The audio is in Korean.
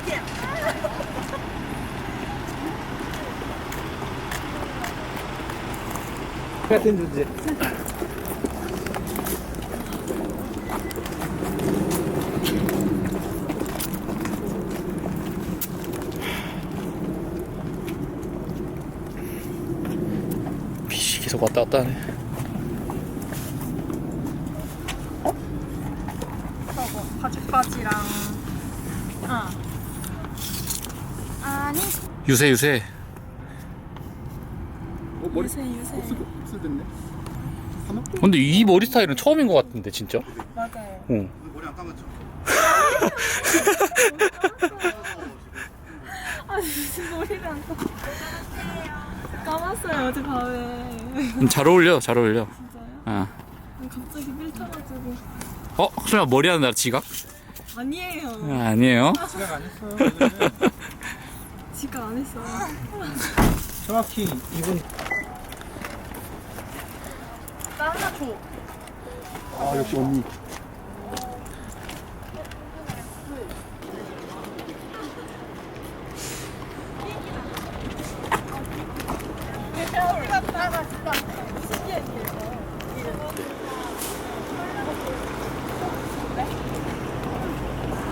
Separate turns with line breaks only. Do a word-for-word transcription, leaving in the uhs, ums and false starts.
같은 주제. 빛이 계속 왔다 갔다 하네.
저거 바지바지랑 어. 아니
유세 유세.
어, 머리
유세 유세
곱슬 됐네. 하나?
근데 이 머리 스타일은 처음인 것 같은데 진짜.
맞아요.
어.
머리 안 감았죠?
아 무슨 머리를 안 감았어요. 감았어요 어제 밤에.
음, 잘 어울려 잘 어울려.
진짜요?
어.
갑자기 밀쳐가지고.
어? 설마 머리 하는 날 지각?
아니에요.
아, 아니에요.
지각 안 했어요.
지각 안 했어요.
정확히 이분.
나 하나 줘.
아 역시 언니.